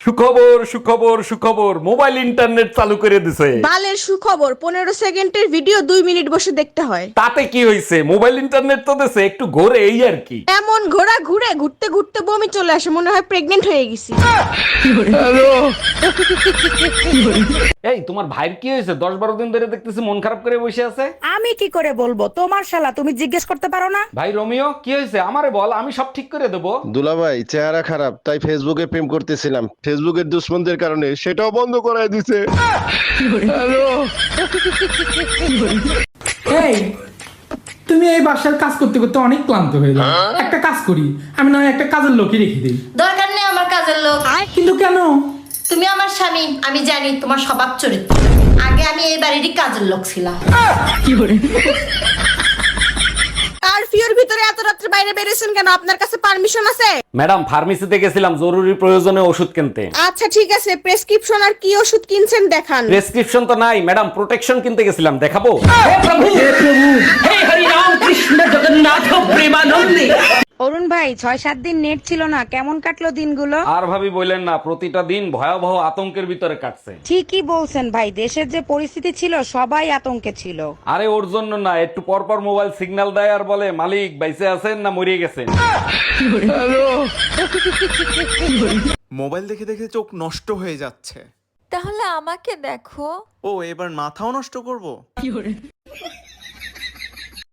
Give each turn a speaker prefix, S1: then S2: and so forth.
S1: সুখবর সুখবর সুখবর, মোবাইল ইন্টারনেট চালু করে দিছে।
S2: বালের সুখবর, 15 সেকেন্ডের ভিডিও 2 মিনিট বসে দেখতে হয়।
S1: তাতে কি হয়েছে, মোবাইল ইন্টারনেট তো দিছে, একটু ঘোরে এই আর কি।
S2: এমন ঘোড়া ঘুরে ঘুরতে ঘুরতে বমি চলে আসে, মনে হয় প্রেগনেন্ট হয়ে গেছি।
S1: এই তোমার ভাইয়ের কি হয়েছে? 10-12 দিন ধরে দেখতেছি মন খারাপ করে বসে আছে।
S3: আমি কি করে বলবো? তোমার শালা, তুমি জিজ্ঞেস করতে পারো না?
S1: ভাই রোমিও, কি হয়েছে আমারে বল, আমি সব ঠিক করে দেবো।
S4: দুলাভাই চেহারা খারাপ, তাই ফেসবুকে প্রেম করতেছিলাম, ফেসবুকের দুশ্মনদের কারণে সেটাও বন্ধ করায় দিছে।
S5: এই তুমি এই বাসার কাজ করতে করতে অনেক ক্লান্ত হয়ে যাও, একটা কাজ করি, আমি না হয় একটা কাজের লোকই রেখে দিই।
S6: দরকার নেই আমার কাজের লোক।
S5: কিন্তু কেন?
S6: তুমি আমার স্বামী, আমি জানি তোমার স্বভাব চরিত্র। আগে আমি এই বাড়িরই কাজের লোক ছিলাম।
S2: কারফিউর ভিতরে এত রাত্রে বাইরে বেরিয়েছেন কেন? আপনার কাছে পারমিশন আছে?
S1: ম্যাডাম ফার্মেসিতে গেছিলাম জরুরি প্রয়োজনে ওষুধ কিনতে।
S2: আচ্ছা ঠিক আছে, প্রেসক্রিপশন আর কি ওষুধ কিনছেন দেখান।
S1: প্রেসক্রিপশন তো নাই ম্যাডাম, প্রোটেকশন কিনতে গেছিলাম, দেখাবো?
S3: অরুণ ভাই, 6-7 দিন নেট ছিল না, কেমন কাটলো দিনগুলো?
S1: আর ভাবি বললেন না, প্রতিটা দিন ভয়াবহ আতঙ্কের ভিতরে কাটছে।
S3: ঠিকই বলছেন ভাই, দেশের যে পরিস্থিতি ছিল সবাই আতঙ্কে ছিল।
S1: আরে ওর জন্য না, একটু পর পর মোবাইল সিগন্যাল দেয় আর বলে মালিক বাইসে আছেন না মরিয়ে গেছেন।
S7: মোবাইল দেখে দেখে চোখ নষ্ট হয়ে যাচ্ছে।
S8: তাহলে আমাকে দেখো।
S7: ও এবার মাথাও নষ্ট করব?